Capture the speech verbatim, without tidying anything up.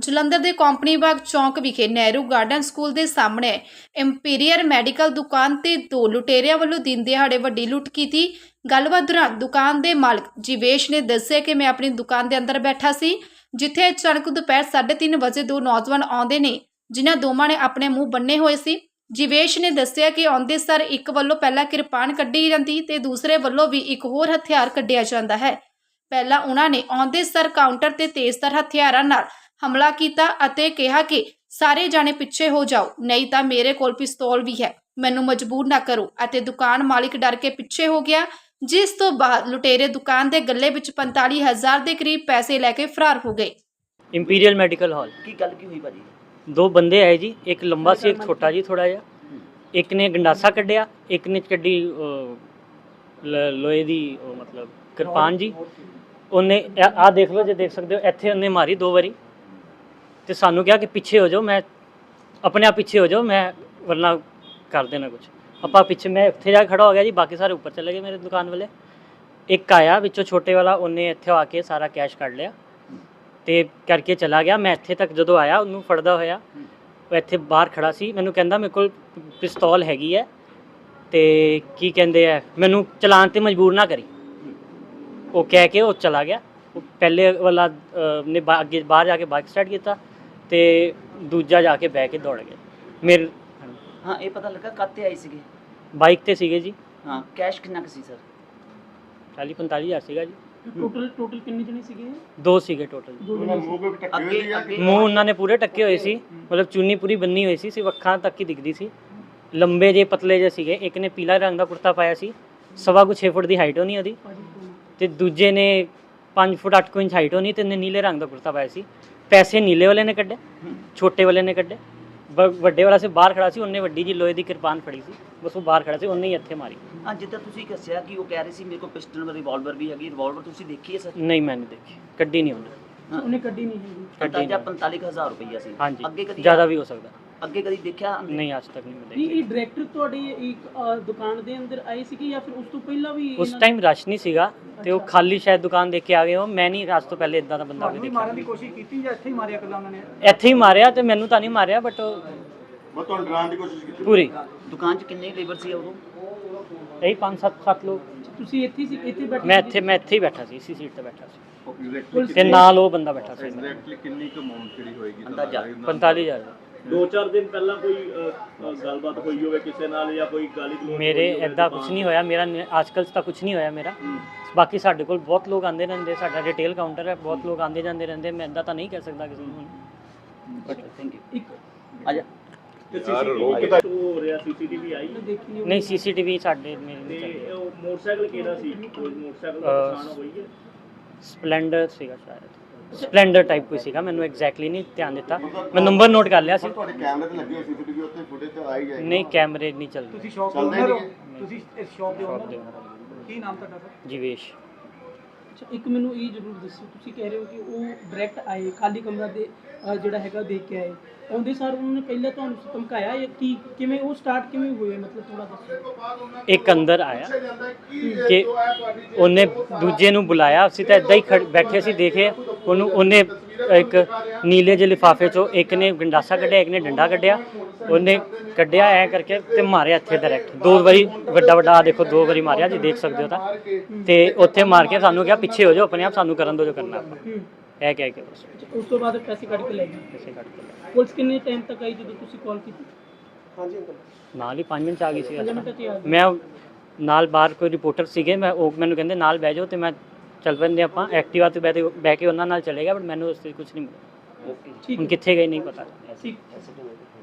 ਜਲੰਧਰ ਦੇ ਕੰਪਨੀ ਬਾਗ ਚੌਂਕ ਵਿਖੇ ਨਹਿਰੂ ਗਾਰਡਨ ਸਕੂਲ ਦੇ ਸਾਹਮਣੇ ਇੰਪੀਰੀਅਰ ਮੈਡੀਕਲ ਦੁਕਾਨ ਤੇ ਦੋ ਲੁਟੇਰਿਆਂ ਵੱਲੋਂ ਦਿਨ ਦਿਹਾੜੇ ਵੱਡੀ ਲੁੱਟ ਕੀਤੀ। ਗੱਲਬਾਤ ਦੌਰਾਨ ਦੁਕਾਨ ਦੇ ਮਾਲਕ ਜੀਵੇਸ਼ ਨੇ ਦੱਸਿਆ ਕਿ ਮੈਂ ਆਪਣੀ ਦੁਕਾਨ ਦੇ ਅੰਦਰ ਬੈਠਾ ਸੀ, ਜਿੱਥੇ ਅਚਾਨਕ ਦੁਪਹਿਰ ਸਾਢੇ ਤਿੰਨ ਵਜੇ ਦੋ ਨੌਜਵਾਨ ਆਉਂਦੇ ਨੇ, ਜਿਨ੍ਹਾਂ ਦੋਵਾਂ ਨੇ ਆਪਣੇ ਮੂੰਹ ਬੰਨੇ ਹੋਏ ਸੀ। ਜੀਵੇਸ਼ ਨੇ ਦੱਸਿਆ ਕਿ ਆਉਂਦੇ ਸਰ ਇੱਕ ਵੱਲੋਂ ਪਹਿਲਾਂ ਕਿਰਪਾਨ ਕੱਢੀ ਜਾਂਦੀ ਤੇ ਦੂਸਰੇ ਵੱਲੋਂ ਵੀ ਇੱਕ ਹੋਰ ਹਥਿਆਰ ਕੱਢਿਆ ਜਾਂਦਾ ਹੈ। ਪਹਿਲਾਂ ਉਹਨਾਂ ਨੇ ਆਉਂਦੇ ਸਰ ਕਾਊਂਟਰ ਤੇ ਤੇਜ਼ਧਾਰ ਹਥਿਆਰਾਂ ਨਾਲ ਹਮਲਾ ਕੀਤਾ ਅਤੇ ਕਿਹਾ ਕਿ ਸਾਰੇ ਜਾਣੇ ਪਿੱਛੇ ਹੋ ਜਾਓ, ਨਹੀਂ ਤਾਂ ਮੇਰੇ ਕੋਲ ਪਿਸਤੌਲ ਵੀ ਹੈ, ਮੈਨੂੰ ਮਜਬੂਰ ਨਾ ਕਰੋ, ਅਤੇ ਦੁਕਾਨ ਮਾਲਿਕ ਡਰ ਕੇ ਪਿੱਛੇ ਹੋ ਗਿਆ, ਜਿਸ ਤੋਂ ਬਾਅਦ ਲੁਟੇਰੇ ਦੁਕਾਨ ਦੇ ਗੱਲੇ ਵਿੱਚ ਪੰਤਾਲੀ ਹਜ਼ਾਰ ਦੇ ਕਰੀਬ ਪੈਸੇ ਲੈ ਕੇ ਫਰਾਰ ਹੋ ਗਏ। इंपीरियल मेडिकल हॉल की गल की हुई भाजी? दो बंदे आए जी, एक लंबा सी एक छोटा जी थोड़ा जिहा, एक ने गंडासा कढ़िया, एक ने कड्डी लोहे दी मतलब किरपान जी। उन्हें आ देख लो, जो देख सकते हो इत्थे उन्हें मारी दो बारी ते सानू कहा कि पीछे हो जाओ, मैं अपने आप पीछे हो जाओ, मैं वरना कर देना कुछ। अपा पीछे मैं इत्थे जा खड़ा हो गया जी, बाकी सारे ऊपर चले गए मेरे दुकान वाले। एक आया विचों छोटे वाला, उन्हें इत्थे आके सारा कैश कढ़ लिया ਤੇ ਕਰਕੇ ਚਲਾ ਗਿਆ। ਮੈਂ ਇੱਥੇ ਤੱਕ ਜਦੋਂ ਆਇਆ ਉਹਨੂੰ ਫੜਦਾ ਹੋਇਆ, ਉਹ ਇੱਥੇ ਬਾਹਰ ਖੜਾ ਸੀ, ਮੈਨੂੰ ਕਹਿੰਦਾ ਮੇਰੇ ਕੋਲ ਪਿਸਤੌਲ ਹੈਗੀ ਹੈ ਤੇ ਕੀ ਕਹਿੰਦੇ ਆ ਮੈਨੂੰ ਚਲਾਨ ਤੇ ਮਜਬੂਰ ਨਾ ਕਰੀ, ਉਹ ਕਹਿ ਕੇ ਉਹ ਚਲਾ ਗਿਆ। ਉਹ ਪਹਿਲੇ ਵਾਲਾ ਨੇ ਅੱਗੇ ਬਾਹਰ ਜਾ ਕੇ ਬਾਈਕ ਸਟਾਰਟ ਕੀਤਾ ਤੇ ਦੂਜਾ ਜਾ ਕੇ ਬਹਿ ਕੇ ਦੌੜ ਗਿਆ। ਮੇਰੇ ਹਾਂ ਇਹ ਪਤਾ ਲੱਗਾ ਕਾਤੇ ਆਏ ਸੀਗੇ? ਬਾਈਕ ਤੇ ਸੀਗੇ ਜੀ। ਹਾਂ ਕੈਸ਼ ਕਿੰਨਾ ਕੁ ਸੀ ਸਰ? ਚਾਲੀ ਪੰਤਾਲੀ ਹਜ਼ਾਰ ਸੀਗਾ ਜੀ। ਟੋਟਲ ਟੋਟਲ ਕਿੰਨੇ ਜਣੇ ਸੀਗੇ? ਦੋ ਸੀਗੇ ਟੋਟਲ। ਅੱਗੇ ਅੱਗੇ ਮੂੰਹ ਉਹਨਾਂ ਨੇ ਪੂਰੇ ਟੱਕੇ ਹੋਏ ਸੀ, ਮਤਲਬ ਚੁੰਨੀ ਪੂਰੀ ਬੰਨੀ ਹੋਈ ਸੀ, ਸਿਰਫ ਅੱਖਾਂ ਤੱਕ ਹੀ ਦਿਖਦੀ ਸੀ। ਲੰਬੇ ਜੇ ਪਤਲੇ ਜੇ ਸੀਗੇ, ਇੱਕ ਨੇ ਪੀਲਾ ਰੰਗ ਦਾ ਕੁੜਤਾ ਪਾਇਆ ਸੀ, ਸਵਾ ਕੁ ਛੇ ਫੁੱਟ ਦੀ ਹਾਈਟ ਹੋਣੀ ਉਹਦੀ, ਤੇ ਦੂਜੇ ਨੇ ਪੰਜ ਫੁੱਟ ਅੱਠ ਕੁ ਇੰਚ ਹਾਈਟ ਹੋਣੀ, ਤੇ ਉਹਨੇ ਨੀਲੇ ਰੰਗ ਦਾ ਕੁੜਤਾ ਪਾਇਆ ਸੀ। ਪੈਸੇ ਨੀਲੇ ਵਾਲੇ ਨੇ ਕੱਢੇ, ਛੋਟੇ ਵਾਲੇ ਨੇ ਕੱਢੇ, ਵੱਡੇ ਵਾਲਾ ਸੀ ਬਾਹਰ ਖੜਾ ਸੀ, ਉਹਨੇ ਵੱਡੀ ਜੀ ਲੋਹੇ ਦੀ ਕਿਰਪਾਨ ਫੜੀ ਸੀ, ਬਸ ਉਹ ਬਾਹਰ ਖੜਾ ਸੀ, ਉਹਨੇ ਹੀ ਇੱਥੇ ਮਾਰੀ। ਹਾਂ ਜਿੱਦਾਂ ਤੁਸੀਂ ਦੱਸਿਆ ਕਿ ਉਹ ਕਹਿ ਰਹੇ ਸੀ ਮੇਰੇ ਕੋਲ ਪਿਸਟਲ ਰਿਵਾਲਵਰ ਵੀ ਹੈਗੀ, ਰਿਵਾਲਵਰ ਤੁਸੀਂ ਦੇਖੀ ਹੈ ਸਰ? ਨਹੀਂ ਮੈਂ ਨਹੀਂ ਦੇਖੀ, ਕੱਢੀ ਨਹੀਂ ਉਹਨੇ। ਉਹਨੇ ਕੱਢੀ ਨਹੀਂ ਹੈਗੀ। ਅੰਦਾਜ਼ਾ ਪੰਤਾਲੀ ਹਜ਼ਾਰ ਰੁਪਈਆ ਸੀ। ਹਾਂਜੀ, ਅੱਗੇ ਕਦੀ ਜ਼ਿਆਦਾ ਵੀ ਹੋ ਸਕਦਾ। ਅੱਗੇ ਕਦੀ ਦੇਖਿਆ? ਨਹੀਂ ਅੱਜ ਤੱਕ ਨਹੀਂ ਮੈਂ ਨਹੀਂ ਦੇਖੀ। ਇਹ ਡਾਇਰੈਕਟਰ ਤੁਹਾਡੀ ਇੱਕ ਅ, ਦੁਕਾਨ ਦੇ ਅੰਦਰ ਆਏ ਸੀਗੇ ਜਾਂ ਫਿਰ ਉਸ ਤੋਂ ਪਹਿਲਾਂ ਵੀ? ਉਸ ਟਾਈਮ ਰਸ਼ ਨਹੀਂ ਸੀਗਾ ਤੇ ਉਹ ਖਾਲੀ ਸ਼ਾਇਦ ਦੁਕਾਨ ਦੇਖ ਕੇ ਆ ਗਏ ਹੋ। ਮੈਂ ਨਹੀਂ ਅੱਜ ਤੋਂ ਪਹਿਲੇ ਇਦਾਂ ਦਾ ਬੰਦਾ ਕੋਈ ਦੇਖਿਆ। ਮਾਰਨ ਦੀ ਕੋਸ਼ਿਸ਼ ਕੀਤੀ ਜਾਂ ਇੱਥੇ ਹੀ ਮਾਰਿਆ ਕੱਲਾ ਉਹਨਾਂ ਨੇ? ਇੱਥੇ ਹੀ ਮਾਰਿਆ ਤੇ ਮੈਨੂੰ ਤਾਂ ਨਹੀਂ ਮਾਰਿਆ, ਬਟ ਮੈਂ ਤੁਹਾਨੂੰ ਡਰਾਉਣ ਦੀ ਕੋਸ਼ਿਸ਼ ਕੀਤੀ ਪੂਰੀ ਦੁਕਾਨ 'ਚ ਕਿੰਨੇ ਲੇਬਰ ਸੀ ਉਦੋਂ? ਇਹੀ ਪੰਜ ਸੱਤ ਸੱਤ ਲੋਕ। ਤੁਸੀਂ ਇੱਥੇ ਸੀ? ਇੱਥੇ ਬੈਠੇ ਮੈਂ ਸੀਗੇ? ਇੱਥੇ ਮੈਂ ਇੱਥੇ ਹੀ ਬੈਠਾ ਸੀ, ਇਸੀ ਸੀਟ ਤੇ ਬੈਠਾ ਸੀ, ਐਗਜ਼ੈਕਟਲੀ ਤੇ ਨਾਲ ਉਹ ਬੰਦਾ ਬੈਠਾ ਸੀ। ਐਗਜ਼ੈਕਟਲੀ ਕਿੰਨੀ ਕੁ ਅਮਾਉਂਟ ਜਿਹੜੀ ਹੋਏਗੀ ਅੰਦਾਜ਼ਾ? ਪੰਤਾਲੀ ਹਜ਼ਾਰ। ਦੋ ਚਾਰ ਦਿਨ ਪਹਿਲਾਂ ਕੋਈ ਅ, ਗੱਲਬਾਤ ਹੋਈ ਹੋਵੇ ਕਿਸੇ ਨਾਲ ਜਾਂ ਕੋਈ ਗਾਲੀ ਗਲੋਚ ਮੇਰੇ ਹੋਈ ਹੋਵੇ ਐਦਾਂ ਦੁਕਾਨ ਕੁਝ ਨਹੀਂ ਹੋਇਆ, ਮੇਰਾ ਅੱਜਕੱਲ ਤਾਂ ਕੁਝ ਨਹੀਂ ਹੋਇਆ ਮੇਰਾ। ਬਾਕੀ ਸਾਡੇ ਕੋਲ ਬਹੁਤ ਲੋਕ ਆਉਂਦੇ ਰਹਿੰਦੇ, ਸਾਡਾ ਰਿਟੇਲ ਕਾਊਂਟਰ ਹੈ, ਬਹੁਤ ਲੋਕ ਆਉਂਦੇ ਜਾਂਦੇ ਰਹਿੰਦੇ, ਮੈਂ ਐਦਾਂ ਤਾਂ ਨਹੀਂ ਕਹਿ ਸਕਦਾ ਕਿਸੇ ਨੂੰ। Thank you. ਇੱਕ ਆ ਜਾ। ਤੇ ਸੀਸੀਟੀਵੀ ਕਿੱਥੋਂ ਹੋ ਰਿਹਾ? ਸੀਸੀਟੀਵੀ ਆਈ ਮੈਂ ਦੇਖੀ ਨਹੀਂ। ਨਹੀਂ ਸੀਸੀਟੀਵੀ ਸਾਡੇ ਮੇਰੇ ਨਹੀਂ ਤੇ ਚੱਲਦੀ। ਉਹ ਮੋਟਰਸਾਈਕਲ ਕਿਹੜਾ ਸੀ? ਕੋਈ ਮੋਟਰਸਾਈਕਲ ਦਾ ਅਹ, ਨੁਕਸਾਨ ਹੋਈ ਹੈ? ਸਪਲੈਂਡਰ ਸੀਗਾ ਸ਼ਾਇਦ, ਸਪਲੈਂਡਰ ਟਾਈਪ ਕੋਈ ਸੀਗਾ, ਮੈਨੂੰ ਐਗਜ਼ੈਕਟਲੀ ਨਹੀਂ ਧਿਆਨ ਦਿੱਤਾ, ਮੈਂ ਨੰਬਰ ਨੋਟ ਕਰ ਲਿਆ ਸੀ। ਤੁਹਾਡੇ ਕੈਮਰੇ ਤੇ ਲੱਗੇ ਹੋਏ ਸੀਸੀਟੀਵੀ ਉੱਤੇ ਫੁਟੇਜ ਤੇ ਆ ਹੀ ਜਾਏਗੀ। ਨਹੀਂ ਕੈਮਰੇ ਨਹੀਂ ਚੱਲਦੇ। ਤੁਸੀਂ ਸ਼ਾਪ ਦੇ ਚੱਲਦੇ ਓਨਰ ਹੋ? ਨਹੀਂ। ਤੁਸੀਂ ਇਸ ਸ਼ਾਪ ਦੇ ਸ਼ਾਪ ਦੇ ਓਨਰ ਹੋ? ਕੀ ਨਾਮ ਤੁਹਾਡਾ ਸਰ? ਜੀਵੇਸ਼। ਅੱਛਾ ਇੱਕ ਮੈਨੂੰ ਇਹ ਜ਼ਰੂਰ ਦੱਸੋ, ਤੁਸੀਂ ਕਹਿ ਰਹੇ ਹੋ ਕਿ ਉਹ ਡਾਇਰੈਕਟ ਆਏ, ਖਾਲੀ ਕਮਰਾ ਦੇ ਅ, ਜਿਹੜਾ ਹੈਗਾ ਦੇਖ ਕੇ ਆਏ, ਆਉਂਦੇ ਸਾਰ ਉਹਨਾਂ ਨੇ ਪਹਿਲਾਂ ਤੁਹਾਨੂੰ ਧਮਕਾਇਆ ਜਾਂ ਕੀ, ਕਿਵੇਂ ਉਹ ਸਟਾਰਟ ਕਿਵੇਂ ਹੋਏ, ਮਤਲਬ ਥੋੜਾ ਦੱਸੋ। ਇੱਕ ਅੰਦਰ ਆਇਆ ਕਿ ਉਹਨੇ ਦੂਜੇ ਨੂੰ ਬੁਲਾਇਆ, ਅਸੀਂ ਤਾਂ ਇੱਦਾਂ ਹੀ ਖੜ ਬੈਠੇ ਸੀ ਦੇਖੇ ਉਹਨੂੰ। ਉਹਨੇ ਇੱਕ ਨੀਲੇ ਜਿਹੇ ਲਿਫਾਫੇ 'ਚੋਂ ਇੱਕ ਨੇ ਗੰਡਾਸਾ ਕੱਢਿਆ, ਇੱਕ ਨੇ ਡੰਡਾ ਕੱਢਿਆ, ਉਹਨੇ ਕੱਢਿਆ ਐ ਕਰਕੇ ਤੇ ਮਾਰਿਆ ਇੱਥੇ ਡਾਇਰੈਕਟ ਦੋ ਵਾਰੀ, ਵੱਡਾ ਵੱਡਾ ਆ ਦੇਖੋ ਦੋ ਵਾਰੀ ਮਾਰਿਆ ਜੀ, ਦੇਖ ਸਕਦੇ ਹੋ ਤਾਂ। ਤੇ ਉੱਥੇ ਮਾਰ ਕੇ ਸਾਨੂੰ ਕਿਹਾ ਪਿੱਛੇ ਹੋ ਜਾਓ, ਆਪਣੇ ਆਪ ਸਾਨੂੰ ਕਰਨ ਦਿਓ ਜੋ ਕਰਨਾ ਆਪਾਂ, ਇਹ ਕਹਿ ਕੇ ਬਸ ਅੱਛਾ, ਉਸ ਤੋਂ ਬਾਅਦ ਪੈਸੇ ਕੱਢ ਕੇ ਲੈ ਗਏ? ਪੈਸੇ ਕੱਢ ਕੇ ਲੈ। ਪੁਲਿਸ ਕਿੰਨੇ ਟਾਈਮ ਤੱਕ ਆਈ ਜਦੋਂ ਤੁਸੀਂ ਕਾਲ ਕੀਤੀ? ਹਾਂਜੀ ਅੰਕਲ ਨਾਲ ਹੀ ਪੰਜ ਮਿੰਟ 'ਚ ਆ ਗਈ ਸੀ। ਪੰਜ ਮਿੰਟ 'ਚ ਹੀ ਆ ਗਏ। ਮੈਂ ਨਾਲ ਬਾਹਰ ਕੋਈ ਰਿਪੋਰਟਰ ਸੀਗੇ, ਮੈਂ ਉਹ ਮੈਨੂੰ ਕਹਿੰਦੇ ਨਾਲ ਬਹਿ ਜਾਓ, ਤੇ ਮੈਂ ਚੱਲ ਪੈਂਦੇ ਆਪਾਂ ਐਕਟਿਵਾ 'ਤੇ ਬਹਿ ਬਹਿ ਕੇ ਉਹਨਾਂ ਨਾਲ ਚਲੇ ਗਿਆ, ਬਟ ਮੈਨੂੰ ਉਸ 'ਤੇ ਕੁਝ ਨਹੀਂ ਮਿਲਿਆ। ਠੀਕ ਹੁਣ ਹੈ, ਕਿੱਥੇ ਗਏ ਨਹੀਂ ਪਤਾ। ਠੀਕ।